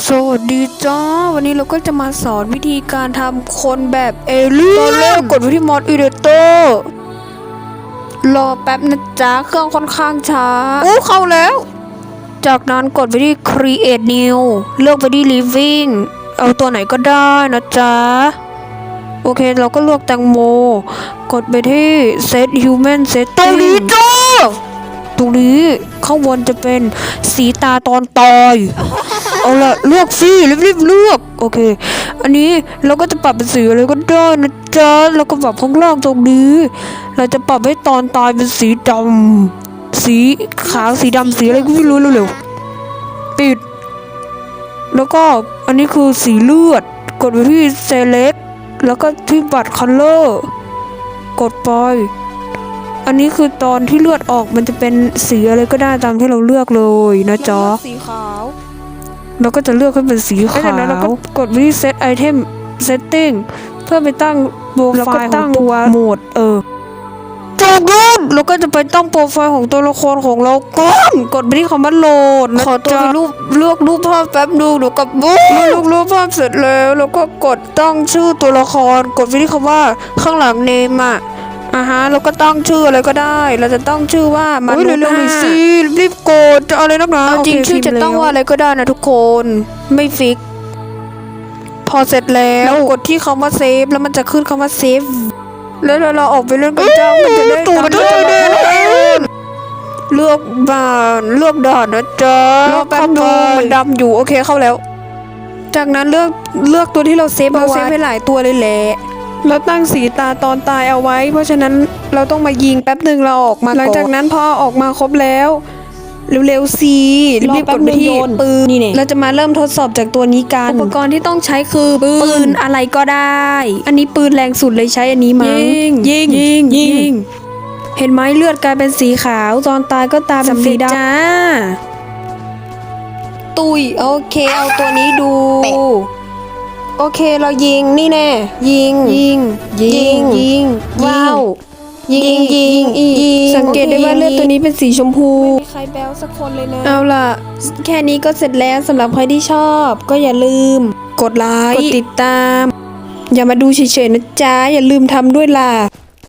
สวัสดีจ้าวันนี้เราก็จะมาสอนวิธีการทำคนแบบเอเลี่ยนตอนแรกกดไปที่มอดอีเดเตอร์รอแป๊บนะจ๊ะเครื่องค่อนข้างช้าเข้าแล้วจากนั้นกดไปที่ create new เลือกไปที่ living เอาตัวไหนก็ได้นะจ๊ะโอเคเราก็เลือกแตงโมกดไปที่ set human setting ตรงนี้จ้าตรงนี้ข้างบนจะเป็นสีตาตอนตายเอาละเลือกสิรีบเลือกโอเคอันนี้เราก็จะปรับเป็นสีอะไรก็ได้นะจ๊ะแล้วก็ปรับข้างล่างตรงนี้เราจะปรับให้ตอนตายเป็นสีดำสีขาวสีดำสีอะไรก็ไม่รู้เร็วๆปิดแล้วก็อันนี้คือสีเลือดกดไปที่ select แล้วก็ที่บัตร color กดไปอันนี้คือตอนที่เลือดออกมันจะเป็นสีอะไรก็ได้ตามที่เราเลือกเลยนะจ๊ะสีขาวเราก็จะเลือกให้เป็นสีขาวจากนั้นเราก็กดไปที่ set item setting เพื่อไปตั้งโปรไฟล์ของตัวโหมดจากนั้นเราก็จะไปตั้งโปรไฟล์ของตัวละครของเราก่อนกดไปที่คำว่าโหลดขอตัวเลือกรูปภาพแป๊บดูเดี๋ยวกับบุ๊กเลือกรูปภาพเสร็จแล้วเราก็กดตั้งชื่อตัวละครกดไปที่คำว่าข้างหลังเนมเราก็ตั้งชื่ออะไรก็ได้เราจะตั้งชื่อว่ามันเร็วๆหน่อยสิรีบกดจะเอาอะไรนักหนาจริงชื่อจะตั้งว่าอะไรก็ได้นะทุกคนไม่ฟิกพอเสร็จแล้วกดที่คำว่าเซฟแล้วมันจะขึ้นคำว่าเซฟแล้วเราออกไปเล่นกันจ้ามันจะได้ตัวมันได้เลือกบ้านเลือกด่านนะจ๊ะแป๊บนึงมันดำอยู่โอเคเข้าแล้วจากนั้นเลือกตัวที่เราเซฟไปหลายตัวเลยแหละเราตั้งสีตาตอนตายเอาไว้เพราะฉะนั้นเราต้องมายิงแป๊บหนึ่งเราออกมาหลังจากนั้นพอออกมาครบแล้วเร็วๆสิรีบกดไปที่ปืนนี่เราจะมาเริ่มทดสอบจากตัวนี้กันอุปกรณ์ที่ต้องใช้คือปืนอะไรก็ได้อันนี้ปืนแรงสุดเลยใช้อันนี้มั้งยิงเห็นไหมเลือดกลายเป็นสีขาวตอนตายก็ตาเป็นสีดำจ้าตุยโอเคเอาตัวนี้ดูโอเคเรายิงนี่แน่ยิงว้าวยิงสังเกตได้ว่าเลือดตัวนี้เป็นสีชมพูไม่มีใครแบลสักคนเลยนะเอาล่ะแค่นี้ก็เสร็จแล้วสำหรับใครที่ชอบก็อย่าลืมกดไลค์กดติดตามอย่ามาดูเฉยๆนะจ๊ะอย่าลืมทำด้วยล่ะ